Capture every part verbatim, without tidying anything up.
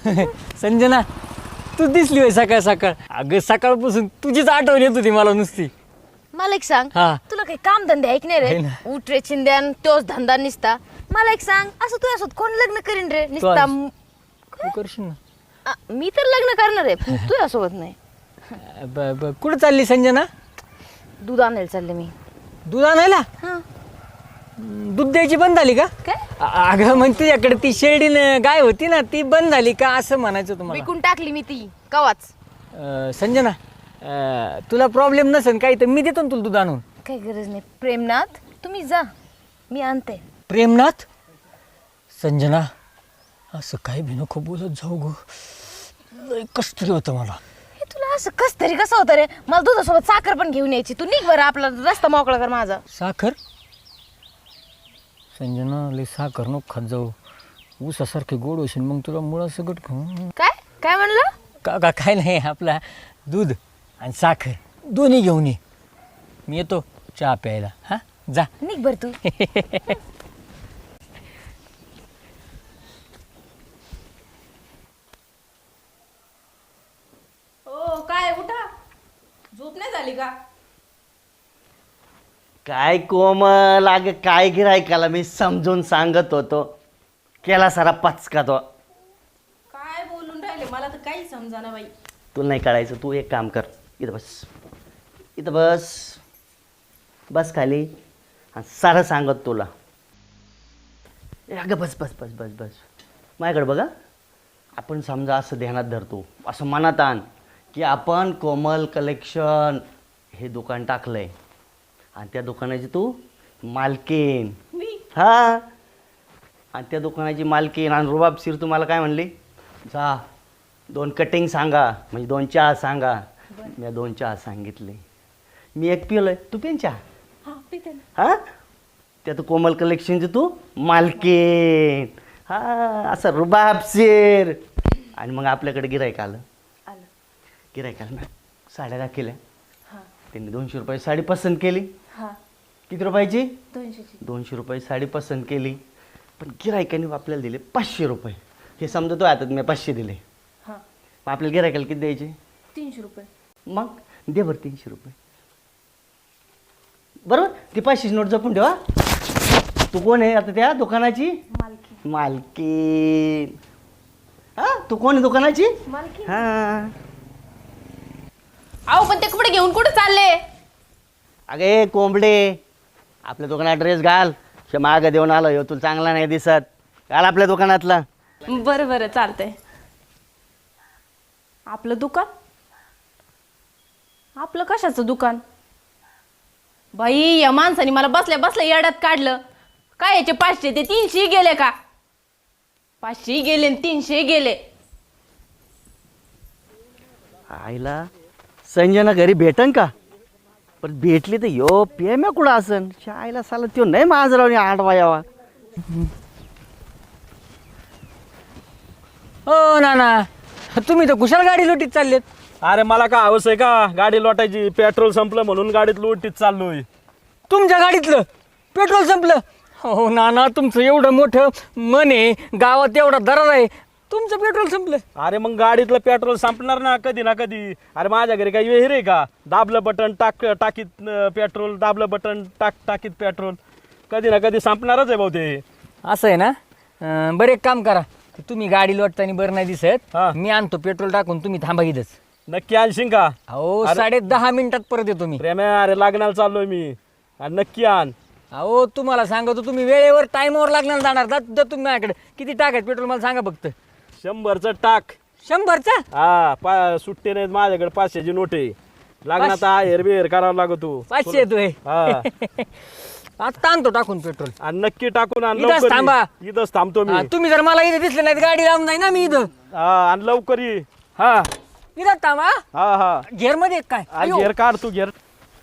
संजना तू दिसली होय सकाळ सकाळ. अगं सकाळपासून तुझीच आठवण येत होती मला नुसती. मला एक सांग, हा. तुला काही काम धंदे ऐक नाही आहे रे? ना. उठ रे चिंद्यान, तोच धंदा निसता. मला एक सांग, असं तू असत कोण लग्न करीन रे? निसता आज. म- तू करशील ना. आ, मी तर लग्न करणार आहे, पण तू यासोबत नाही. ब- ब- कुठं चालली संजना? दूध आणायला चालले मी. दूध आणायला? हा. दूध द्यायची बंद झाली का? काय? अ- अगं मग तुझ्याकडे ती शेळी न- गाय होती ना, ती बंद झाली का असं म्हणायचं तुम्हाला. विकून टाकली मी ती कवाच. अ, संजना अ, तुला प्रॉब्लेम नसेल काही तर मी देतो ना तुला दूध आणून. काही गरज नाही. प्रेमनाथ तुम्ही जा, मी आणते. प्रेमनाथ? संजना असं काय बी नको बोलत जाऊ गो. लय कस तरी होतं मला. हे तुला असं कस तरी कसं होतं रे? मला दुधासोबत साखर पण घेऊन यायची. तू निघ बरं, आपला रस्ता मोकळा कर माझा. साखर? संजना लय साखर नको खात जाऊ. ऊसासारखे गोड होशील मग तुला मुळा सगळं खाऊ. काय काय म्हणलं? का का काय नाही, आपला दूध आणि साखर दोन्ही घेऊन ये. मी येतो चहा प्यायला. हां जा. निघ बर तू. ओ काय उठा, झोप नाही झाली का? काय कोमल, अगं काय गिरायकाला मी समजून सांगत होतो, केला सारा पचका तो. काय बोलून राहिले मला तर काही समजाना बाई. तुला नाही कळायचं, तू एक काम कर, इथं बस, इथं बस, बस खाली आणि सारं सांगत तुला. ए, अगं बस बस बस बस बस माझ्याकडे बघा. आपण समजा असं ध्यानात धरतो, असं मनात आण की आपण कोमल कलेक्शन हे दुकान टाकलं आहे आणि त्या दुकानाची तू मालकीन. मी हा, आणि त्या दुकानाची मालकीन आणि रुबाबशीर तुम्हाला काय म्हणली, जा दोन कटिंग सांगा, म्हणजे दोन चहा सांगा. मी दोन चहा सांगितले, मी एक पिलोय, तू पेन चहा. हा पिते ना. हा, त्यात कोमल कलेक्शनची तू मालकीन. हा, असं रुबाबशीर. आणि मग आपल्याकडे गिरायक आलं. आलं. गिरायकाला साड्या दाखवल्या, हा त्यांनी दोनशे रुपये साडी पसंत केली. हा किती रुपयाची? दोनशेची. दोनशे रुपये साडी पसंत केली, पण गिरायकाने आपल्याला दिले पाचशे रुपये. हे समजतो आता मी पाचशे दिले, हा मग आपल्याला गिरायकाला किती द्यायचे? तीनशे रुपये. मग दे बरं तीनशे रुपये. बरोबर, ती पाचशेची नोट जपून ठेवा. तू कोण आहे आता त्या दुकानाची? मालकी. मालकीन. हा, तू कोण आहे दुकानाची? मालकी. हा. अहो पण ते कपडे घेऊन कुठे चालले? अगे कोंबडे, आपल्या दुकानात ड्रेस घाल. शे मागं देऊन आलो, ह्यो तुला चांगला नाही दिसत, घाल आपल्या दुकानातला. बरं बरं चालतंय. आपलं दुकान? आपलं कशाचं दुकान? बाई या माणसाने मला बसल्या बसल्या येड्यात काढलं. काय याचे पाचशे ते तीनशे गेले का? पाचशे गेले आणि तीनशे गेले. आईला संजना घरी भेटन का? पण भेटली तर यो पेम्या कुठं असन? आईला साला त्यो नाही माझरावने आडवा यावा. हो नाना, तुम्ही तर कुशाल गाडी लोटीत चाललेत. अरे मला का हवस आहे का गाडी लोटायची? पेट्रोल संपलं म्हणून गाडीत लोटीत चाललोय. तुमच्या गाडीतलं पेट्रोल संपलं? हो नाना, तुमचं एवढं मोठं मन आहे, गावात एवढा दरार आहे, तुमचं पेट्रोल संपलं. अरे मग गाडीतलं पेट्रोल संपणार ना कधी ना कधी. अरे माझ्या घरी काही विहीर आहे का? दाबलं बटन टाक टाकीत अं, पेट्रोल, दाबलं बटन टाक टाकीत पेट्रोल. कधी ना कधी संपणारच आहे भाऊ ते. असं आहे ना. अं, बरं एक काम करा, तुम्ही गाडी लोटताना बरं नाही दिसत, हा. मी आणतो पेट्रोल टाकून, तुम्ही थांबा इथंच. नक्की आणशील का? अहो अरे- साडे दहा मिनिटात परत येतो मी. प्रेम्या, अरे लग्नाला चाललोय मी, आणि नक्की आण. अहो तुम्हाला सांगतो, तुम्ही वेळेवर टाईमवर लागणार जाणार जा जा तुम्ही माझ्याकडे. किती टाकायचं पेट्रोल मला सांगा फक्त. शंभरचं टाक. शंभरचा? हा, पा सुट्टे नाहीत माझ्याकडे, पाचशेची नोट आहे. लग्नात आहेर बिहेर करावा लागतो. पाचशे येतोय. हा. आता आणतो टाकून पेट्रोल. आणि नक्की टाकून आण इथंच लवकर ये. थांबा. इथंच थांबतो मी. हा, तुम्ही जर मला इथे दिसले नाहीत गाडी लावून जाई ना मी इथं. हा, आणि लवकर ये. हा इथं थांबा. हा हा घेर मध्ये काय आ, अयो. घेर काढ तू घेर.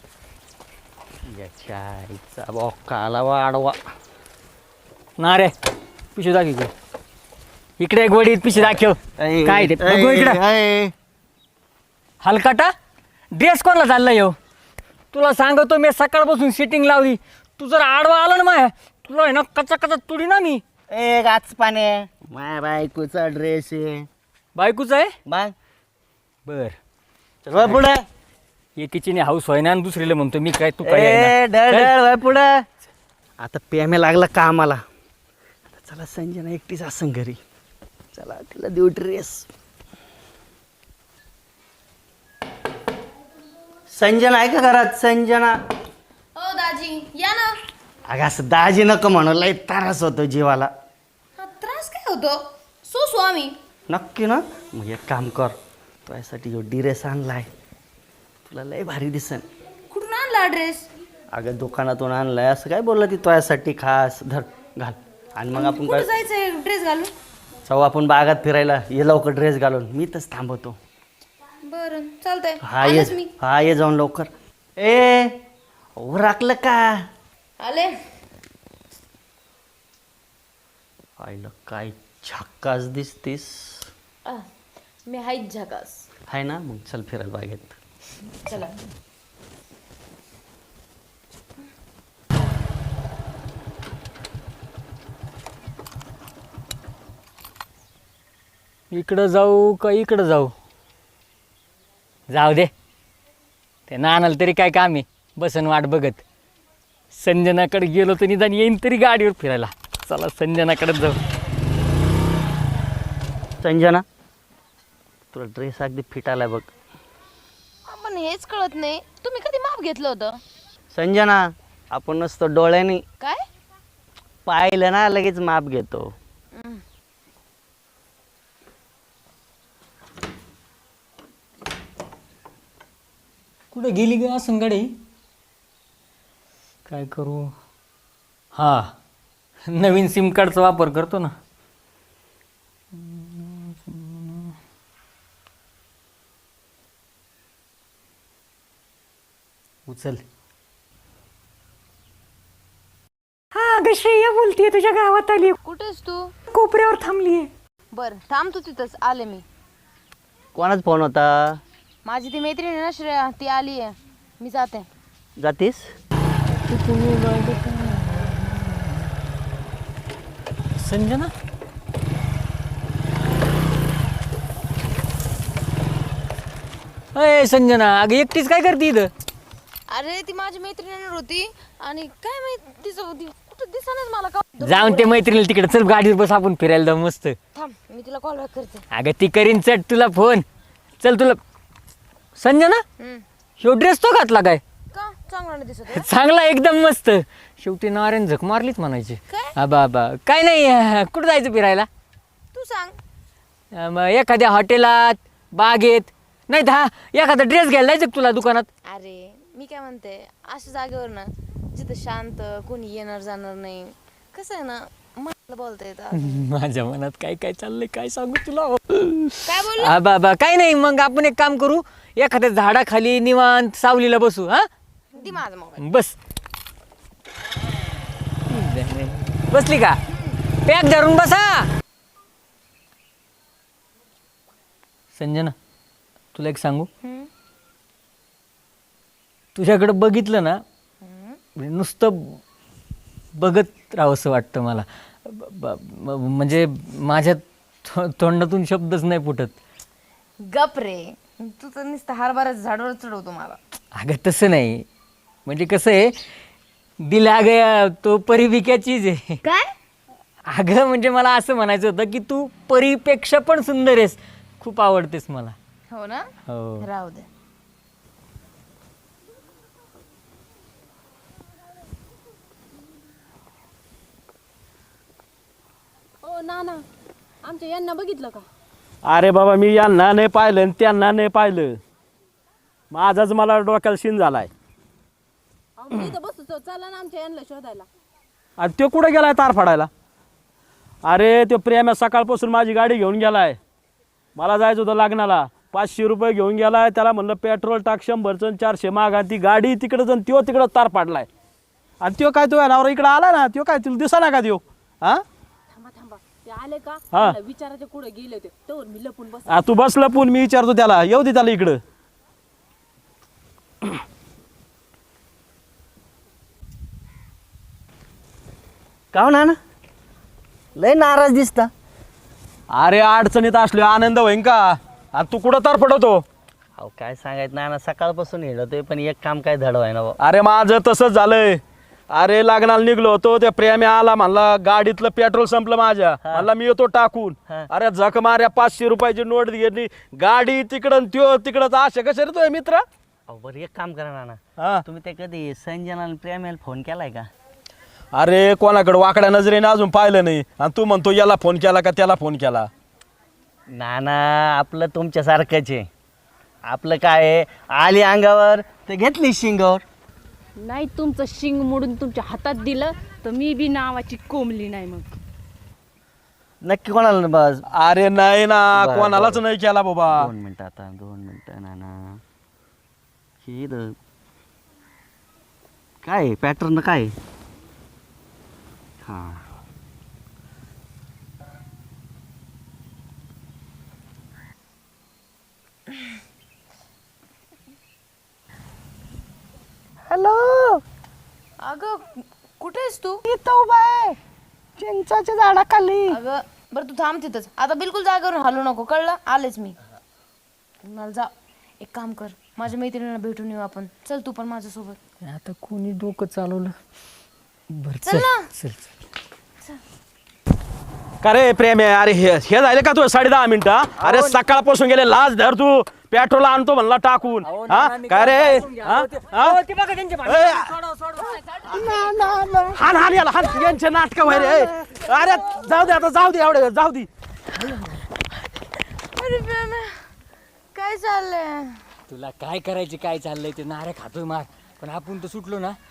याच्या आईचा बॉक्काला वाढवा. ना रे पिशवी दाखव इकडे. इकडे एक वडीत पिशवी दाखव. काय ते बघू इकडे. हलकाटा ड्रेस कोणाला चालला येऊ? तुला सांगतो, मी सकाळपासून सिटिंग लावली, तू जर आडवा आला ना माया, तुला आहे ना कचा कचा तुडी ना मी. ए गाच पाने, माय बायकोचा ड्रेस आहे. बायकोच आहे मग बर चल वळ पुढे एकीची हाऊस व्हाय ना आणि दुसरीला म्हणतो मी काय तू काय ए आहे ढळ ना? ढळ वळ पुढे आता प्रेमे लागला कामाला आता चला संजना एकटीच असं घरी चला तिला देऊ ड्रेस संजना आहे का घरात संजना हो दाजी या ना. अगं असं दाजी नको म्हणू लय त्रास होतो जीवाला हा त्रास काय होतो सो स्वामी. नक्की ना मग एक काम कर तुझ्यासाठी जो ड्रेस आणलाय तुला लय भारी दिसन कुठून आणला ड्रेस? अगं दुकानातून आणलाय असं काय बोललं ती तुझ्यासाठी खास धर घाल आणि मग आपण कुठं काय जायचंय ड्रेस घालून? जाऊ आपण बागात फिरायला ये लवकर ड्रेस घालून मी तच थांबवतो बरं चालतंय हा ये आलेच मी. हा ये जाऊन लवकर ए ओ राखलं का आले. पाहिलं काय झक्कास दिसतीस आ, मी हाईच झकास. आहे ना मग चल फिरायला बागेत चला. इकडं जाऊ का इकडं जाऊ जाऊ दे ते नानाला तरी काय काम आहे बसन वाट बघत संजनाकडे गेलो तर निदान येईन तरी गाडीवर फिरायला चला संजनाकडे जाऊ संजना तुला ड्रेस अगदी फिट आलाय बघ पण हेच कळत नाही तुम्ही कधी माप घेतलं होतं? संजना आपण नसतो डोळ्याने काय? पाहिलं ना लगेच माप घेतो कुठं गेली ग असं गाडी काय करू हा नवीन सिम कार्डचा वापर करतो ना उचल हा ग श्रेया बोलतीये तुझ्या गावात आली कुठेस तू? कोपऱ्यावर थांबलीये बर थांब तू तिथंच आले मी. कोणाच फोन होता माझी ती मैत्रीण आहे ना श्रेया ती आली आहे मी जाते. जातीस संजना अय संजना अगं एकटीच काय करते इथं अरे ती माझी मैत्रीण येणार होती आणि काय माहित तिचं ती कुठं दिसणारच मला का. जाऊन ते मैत्रिणीला तिकडे चल गाडीवर बस आपण फिरायला जाऊ मस्त थांब मी तिला कॉल बॅक करते. अगं ती करीन चट तुला फोन चल तुला संजना हम्म. ह्यो ड्रेस तो घातला काय का चांगला नाही दिसत आहे? चांगला एकदम मस्त शेवटी नारायण झक मारलीच म्हणायची काय? आबा आबा काय नाही अं, कुठं जायचं फिरायला तू सांग. अं, मग एखाद्या हॉटेलात बागेत नाही तर हा एखादा ड्रेस घ्यायला जायचं का तुला दुकानात अरे मी काय म्हणते अशा जागेवर ना जिथं शांत कोणी येणार जाणार नाही कसं आहे ना मला बोलता येतं. माझ्या मनात काय काय चाललंय काय सांगू तुला काय बोल आबा आबा काय नाही मग आपण एक काम करू एखाद्या झाडाखाली निवांत सावलीला बसू हा ती माझा मोबाईल. बस बसली का पॅक धरून बसा संजना तुला एक सांगू तुझ्याकडे बघितलं ना म्हणजे नुसतं बघत राहावंसं वाटतं मला ब- ब- म- म्हणजे माझ्या थो- तोंडातून शब्दच नाही फुटत गप रे तू तर नुसतं हरभरा झाडावर चढवतो मला. अगं तसं नाही म्हणजे कसं आहे दिला गया तो परीविक्या चीज आहे काय? अगं म्हणजे मला असं म्हणायचं होतं की तू परीपेक्षा पण सुंदर आहेस खूप आवडतेस मला हो ना हो राहू दे. ओ ना ना आमच्या यांना बघितलं का? अरे बाबा मी यांना नाही पाहिलं आणि त्यांना नाही पाहिलं माझाच मला डोक्याला शिन झालाय अहो, मी इथं बसतो चला ना आमच्या यांना शोधायला. आणि तो कुठं गेलाय तार फाडायला अरे तो प्रेम्या सकाळपासून माझी गाडी घेऊन गेलाय मला जायचं होतं लग्नाला पाचशे रुपये घेऊन गेलाय त्याला म्हणलं पेट्रोल टाक शंभरचं चारशे माग आणि ती गाडी तिकडं जाऊन त्यो तिकडं तार पाडलाय आणि त्यो काय तो नावर इकडं आला ना त्यो काय तुला दिसा ना का त्यो हा थांबा थांबा ते आले का? हा. मला विचारायचे कुठे गेले ते तर मी लपून बस. आ, तू बस लपून मी विचारतो त्याला येऊ दे त्याला इकडं का हो ना लय नाराज दिसता अरे अडचणीत असलो आनंद होईन का आणि तू कुठं तर पडतो. अहो काय सांगायचं ना ना सकाळपासून हिंडतोय पण एक काम काय धडवाय ना अरे माझं तसंच झालंय. अरे लग्नाला निघलो होतो त्या प्रेमी आला म्हणला गाडीतलं पेट्रोल संपलं माझ्या. म्हणला मी येतो टाकून. हा. अरे झक माऱ्या पाचशे रुपयाची नोट घेतली. गाडी तिकडं आणि त्यो तिकडं अशा कशा रे तुझे मित्र. अहो बरं एक काम करा ना हा तुम्ही ते कधी संजना आणि प्रेमाला फोन केलाय का? अरे कोणाकडे वाकड्या नजरेने अजून पाहिलं नाही आणि तू म्हणतो याला फोन केला का त्याला फोन केला. ना ना आपलं तुमच्यासारखंच आहे. आपलं काय आहे, आली अंगावर तर घेतली शिंगावर. नाही तुमचं शिंग मोडून तुमच्या हातात दिलं तर मी बी नावाची कोंबली नाही मग. नक्की कोणाला ना बस अरे नाही ना बरं, कोणालाच बरं. नाही केला बाबा. दोन मिनिटं आता दोन मिनिटं ना ना हे इथं काय पॅटर्न काय आहे? हां हॅलो अगं कुठे आहेस तू? इथं उभा आहे चिंचाच्या झाडाखाली. अगं बरं तू थांब तिथंच आता, बिलकुल जागेवरून हलू नको, कळलं? आलेच मी. मला जा, एक काम कर, माझ्या मैत्रिणीला भेटून येऊ आपण. चल तू पण माझ्यासोबत. आता कोणी डोकं चालवलं. बरं चल ना. चल का रे प्रेम आहे. अरे हे हे झाले का तू साडे दहा मिनिटं. अरे सकाळपासून गेले लाज धर तू. पेट्रोल आणतो म्हणला टाकून. हा काय रे हा? हा? ए, हान हान याला हान यांचे नाटक व्हाय रे. अरे जाऊ दे आता जाऊ दे एवढे जाऊ दे. अरे प्रेम्या, काय चाललंय? तुला काय करायचे काय चाललंय ते नारे खातोय मार पण आपण तर सुटलो ना